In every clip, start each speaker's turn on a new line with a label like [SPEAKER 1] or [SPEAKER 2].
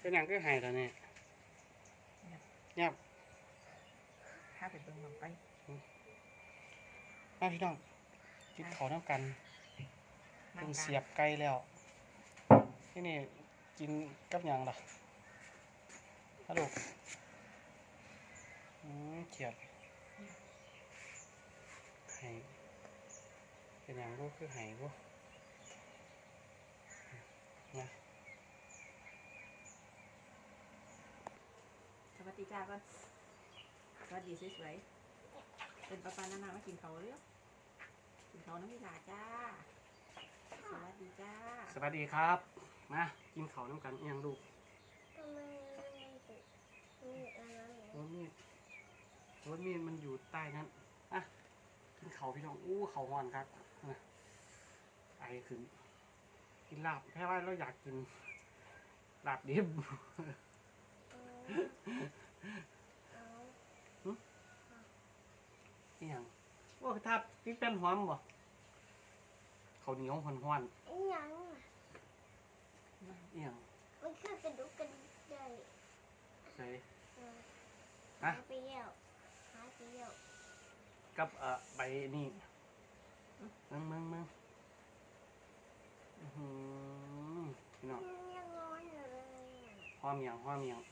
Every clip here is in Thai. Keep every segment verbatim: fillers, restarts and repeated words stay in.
[SPEAKER 1] เป็นอย่างก็หายแล้วเนี่ยเงียบ
[SPEAKER 2] ถ้าไปเบิ่งลงไป
[SPEAKER 1] มาพี่น้องกินเขาน้ำกันเพิ่งเสียบไก่แล้วที่นี่กินกับอย่างล่ะฮัลโหลอืมเขียดไห้เป็นอย่างลูกคือไห้ลูกนะ
[SPEAKER 2] สวัสดีจ้าก่อนสวัสดีสวยๆเป็นปลาปลานานามากินเขาเรียกกินเขาน้ำพิลาจ้าสวัสดีจ้า
[SPEAKER 1] สวัสดีครับมากินเขาน้ำกันอย่างลูก
[SPEAKER 3] ทำไมมีอันนั้น
[SPEAKER 1] รถมีดรถมีดมันอยู่ใต้นั้นอ่ะกินเขาพี่น้องอู้เขาหอนครับนะไอขึ้นกินลาบแค่ว่าเราอยากกินลาบดิบนี่ยังว่าทับพริกแป้นหอมบ่เขาเหนียวหอนหอน
[SPEAKER 3] อีหยัง
[SPEAKER 1] นี่ยัง
[SPEAKER 3] มันคือกระดูกกระดิกได้
[SPEAKER 1] ใช่
[SPEAKER 3] หาไปเยี่ยวหาไปเยี่ยว
[SPEAKER 1] กับเอ่อใบนี่มึงมึงมึงพี่น้อง
[SPEAKER 3] ยังร้อนอยู่เลย
[SPEAKER 1] ห่อเมียงห่อเมียง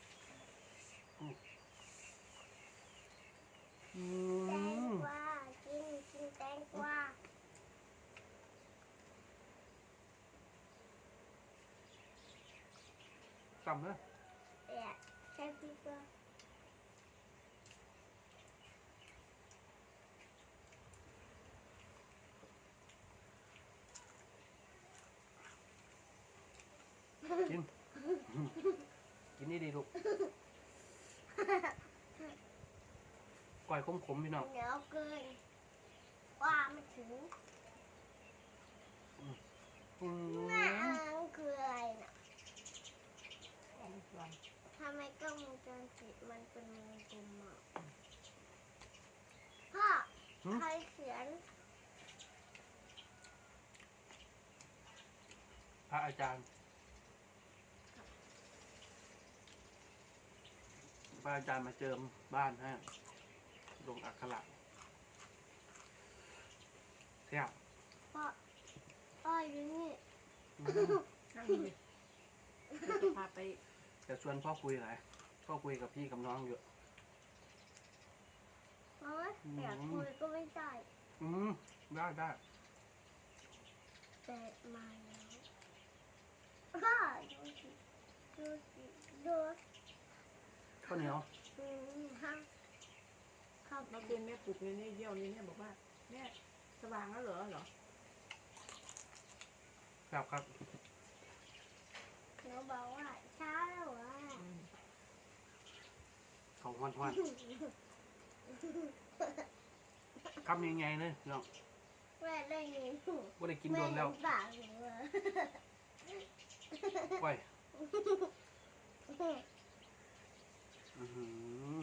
[SPEAKER 3] แตงกวากินกินแตงกวา
[SPEAKER 1] จำเลย
[SPEAKER 3] เอ๊ะใช่พี่ปะ
[SPEAKER 1] กินกินนี่ดีลูกก่อยขมๆพี่น้อง
[SPEAKER 3] เหนียวเกินว่าไม่ถึงน่าคืออะไรน่ะทำไมกล้องวงจรปิดมันเป็นวงกลมอ่ะพ่อใครเขียน
[SPEAKER 1] พระอาจารย์พระอาจารย์มาเจิมบ้านให้ลงอักขระเที่ยว
[SPEAKER 3] พ่อพ่ออยู่นี่
[SPEAKER 2] นั่งดีจะพาไป
[SPEAKER 1] จะชวนพ่อคุยอะไรพ่อคุยกับพี่กับน้องอยู่
[SPEAKER 3] เพราะว่าอยากคุยก็ไม่ได้
[SPEAKER 1] อืมได้ได้
[SPEAKER 3] แต่มาแล้วพ่อดูสิดูสิดู
[SPEAKER 1] ข้าวเหนียว
[SPEAKER 3] อืมฮะ
[SPEAKER 2] ข้าวมาเป็นแม่ปลุกเนี่ยนี่เยี่ยวนี่เนี่ยบอกว่าแม่สว่างแล้วเหรอเหรอ
[SPEAKER 1] ครับครับ
[SPEAKER 3] หนูบอกว่าเช้าแล้ววะ
[SPEAKER 1] เขาหอนหอนคำยังไงเลยน้อง
[SPEAKER 3] แม่ได้ยิน
[SPEAKER 1] ว่าได้กินโดนแล้ว
[SPEAKER 3] ปากหนู
[SPEAKER 1] ไปอือ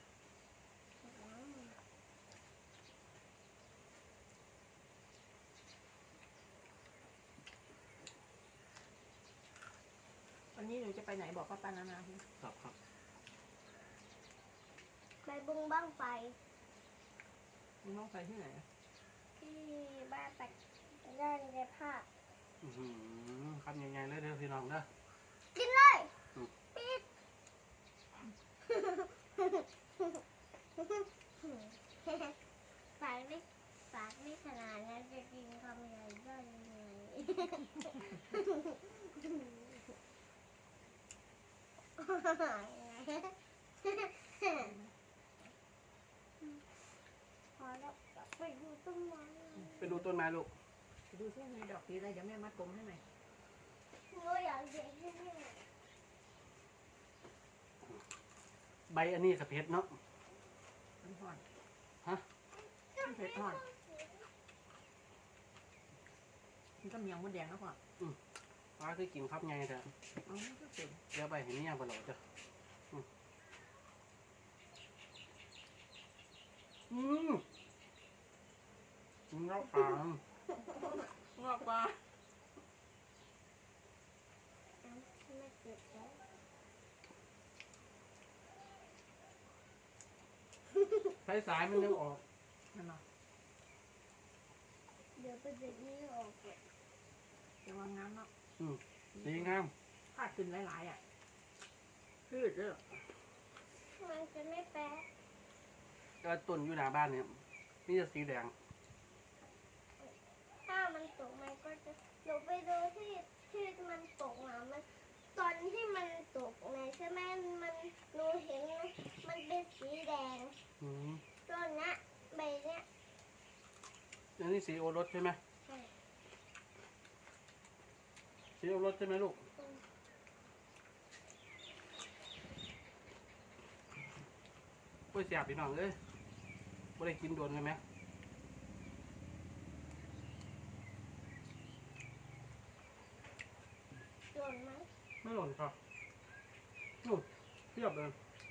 [SPEAKER 2] วันนี้หนูจะไปไหนบอกป้าปานานาพี่
[SPEAKER 1] ครับครับ
[SPEAKER 3] ไปบึงบ้างไฟ
[SPEAKER 2] มึงต้องไปที่ไหน
[SPEAKER 3] ที่บ้านตักด้านในผ้า
[SPEAKER 1] อือคำยังไงเลยเด้อพี่น้องเด้อ
[SPEAKER 3] กินเลยปิดฝากไม่ฝากไม่ขนาดนั้นจะกินคำใหญ่ได้ยังไงพอแล้วไปดูต้นไม้
[SPEAKER 1] ไปดูต้นไม้ลูก
[SPEAKER 2] ไปดูที่มีดอกสีอะไรเดี๋ยวแม่มัดผมให้หน่อย
[SPEAKER 3] หนูอยากเห็นที่นี่
[SPEAKER 1] ใบอันนี้กับเพชรเนาะ
[SPEAKER 2] มันห่อน
[SPEAKER 1] ฮะ
[SPEAKER 2] เพชรห่อนมันก็เมียงมดแดงแล้วก่อน
[SPEAKER 1] อืมว่าคือกินครับไงแต่
[SPEAKER 2] อ๋อก็เสร็จ
[SPEAKER 1] เดี๋ยวไปเห็นนี่ยังบ่หล่อจ้ะอืมงอกปลาง
[SPEAKER 2] อกปลา
[SPEAKER 3] ไม่เก็บแล้ว
[SPEAKER 1] สายๆมันยังออก
[SPEAKER 2] นั่นเนาะ
[SPEAKER 3] เดี๋ยวไปดึงนี้ออกก่อน
[SPEAKER 2] ระวังน้ำเนาะ
[SPEAKER 1] อืมสีงาม
[SPEAKER 2] ถ้าขึ้นหลายๆอ่ะพืชเด้อ
[SPEAKER 3] มันจะไม่แป๊ะ
[SPEAKER 1] ก็ต้นอยู่หน้าบ้านเนี่ยนี่จะสีแดง
[SPEAKER 3] ถ้ามันตกมันก็จะหนูไปดูที่ที่มันตกอ่ะมันตอนที่มันตกไงใช่ไหมมันหนูเห็นมันเป็นสีแดง
[SPEAKER 1] อืม
[SPEAKER 3] ต้นเนี้ยใบเนี้ย
[SPEAKER 1] อันนี้สีโอรสใช่ไหม
[SPEAKER 3] ใช่
[SPEAKER 1] สีโอรสใช่ไหมลูกกล้วยเสียบพี่น้องเอ้ยไม่ได้กินโดนเลยไหม
[SPEAKER 3] หล่นไหม
[SPEAKER 1] ไม่หล่นครับนู่นเทียบเลย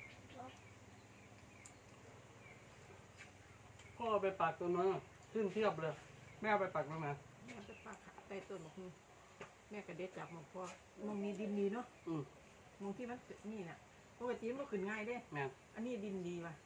[SPEAKER 1] พ่อเอาไปปักตัวนั้นขึ้นเทียบเลยแม่เอาไปปักตรงไหน
[SPEAKER 2] แม่จะปากใต้ต้นบอกแม่กระเด็ดจับหมกพ่อมองมีดินดีเนาะ
[SPEAKER 1] อืม
[SPEAKER 2] มองที่มันนี่น่ะปกติมันก็ขึ้นง่ายเด้
[SPEAKER 1] แม่น
[SPEAKER 2] อันนี้ดินดีว่ะ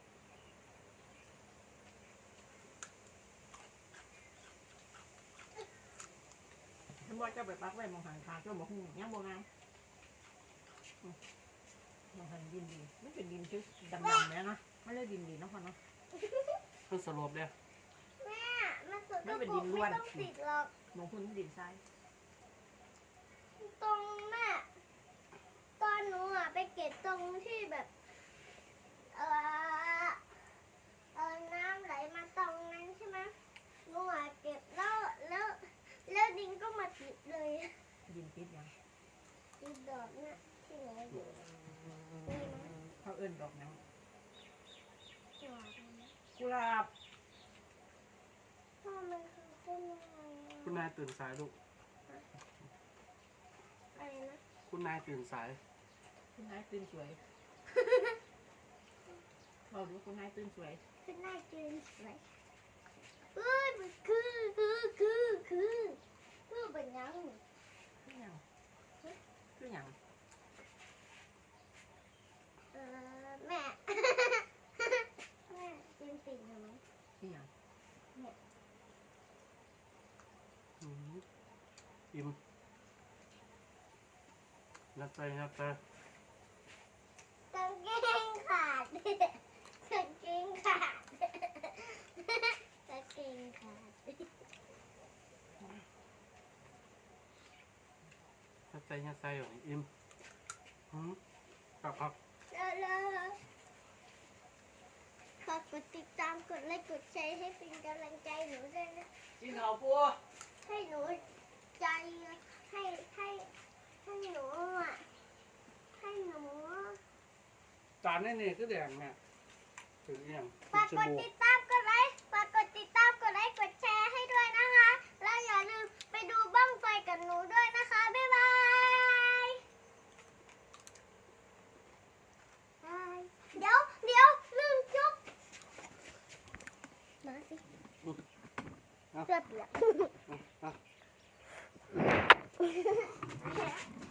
[SPEAKER 2] ฉันบอกจะไปปักไว้มองหันทางเจ้าบอกหูยังบอกงามอืมมองหันดินดีไม่เป็นดินชื้ดำๆเนี่ยนะไม่เลยดินดีเนาะพ่อเนาะ
[SPEAKER 1] มันสลบเลย
[SPEAKER 3] แม่มันสก
[SPEAKER 2] ไม่
[SPEAKER 3] ป
[SPEAKER 2] เป็น
[SPEAKER 3] ร
[SPEAKER 2] ดิ
[SPEAKER 3] ก
[SPEAKER 2] นล้
[SPEAKER 3] ไม่
[SPEAKER 2] วน
[SPEAKER 3] ต้องติดหรอก
[SPEAKER 2] มองคุณดินทราย
[SPEAKER 3] ตรงแม่ตอนหนูอ่ะไปเก็บตรงที่แบบเออเออน้ำไหลมาตรงนั้นใช่ไหมหนูอ่ะเก็บแล้วแล้วแล้วดินก็มาติดเลย
[SPEAKER 2] ดินติดยัง
[SPEAKER 3] ติดดอกเนี่ยที่หนูอยู่
[SPEAKER 2] เขาเอิ้นดอกหยัง
[SPEAKER 3] ดอกนั้น
[SPEAKER 2] กุหลาบ
[SPEAKER 3] พ่อมันคือต้นอะไร
[SPEAKER 1] คุณนายตื่นสายลูก
[SPEAKER 3] อะไรนะ
[SPEAKER 1] คุณนายตื่นสาย
[SPEAKER 2] คุณนายตื่นสวยบอกดูคุณนายตื่นสวย
[SPEAKER 3] คือหน้าจืนสวยเอ้ยมันคือคือคือคือคือเป็นยัง
[SPEAKER 2] คือหยังคือหยัง
[SPEAKER 3] เออแม่ แม่จืนติ่งไหม
[SPEAKER 2] คือหยัง
[SPEAKER 1] อืมอิ่มนับใจนับใจ
[SPEAKER 3] กางเกงขาดกางเกงขาดกางเกงขาด
[SPEAKER 1] นับใจนับใจอยู่อิ่มอืมครับครับ
[SPEAKER 3] แล้วฝากกดติดตามกดไลค์กดแชร์ให้เป็นกำลังใจหนูด้วยนะ
[SPEAKER 1] กินข้าวปัว
[SPEAKER 3] ให้หนูใจให้ให้ให้หนูอ่ะให้หนู
[SPEAKER 1] จานนี่นี่คือแดงแม่ถึงยัง
[SPEAKER 3] ฝากกดติดตามกดไลค์ฝากกดติดตามกดไลค์กดแชร์ให้ด้วยนะคะ แล้วอย่าลืมไปดูบ้างไฟกับหนูด้วยนะคะ บ๊ายบายบายเดี๋ยวเดี๋ยวลืมจุ๊บมาสิเสื้อเปียก
[SPEAKER 1] อ่ะ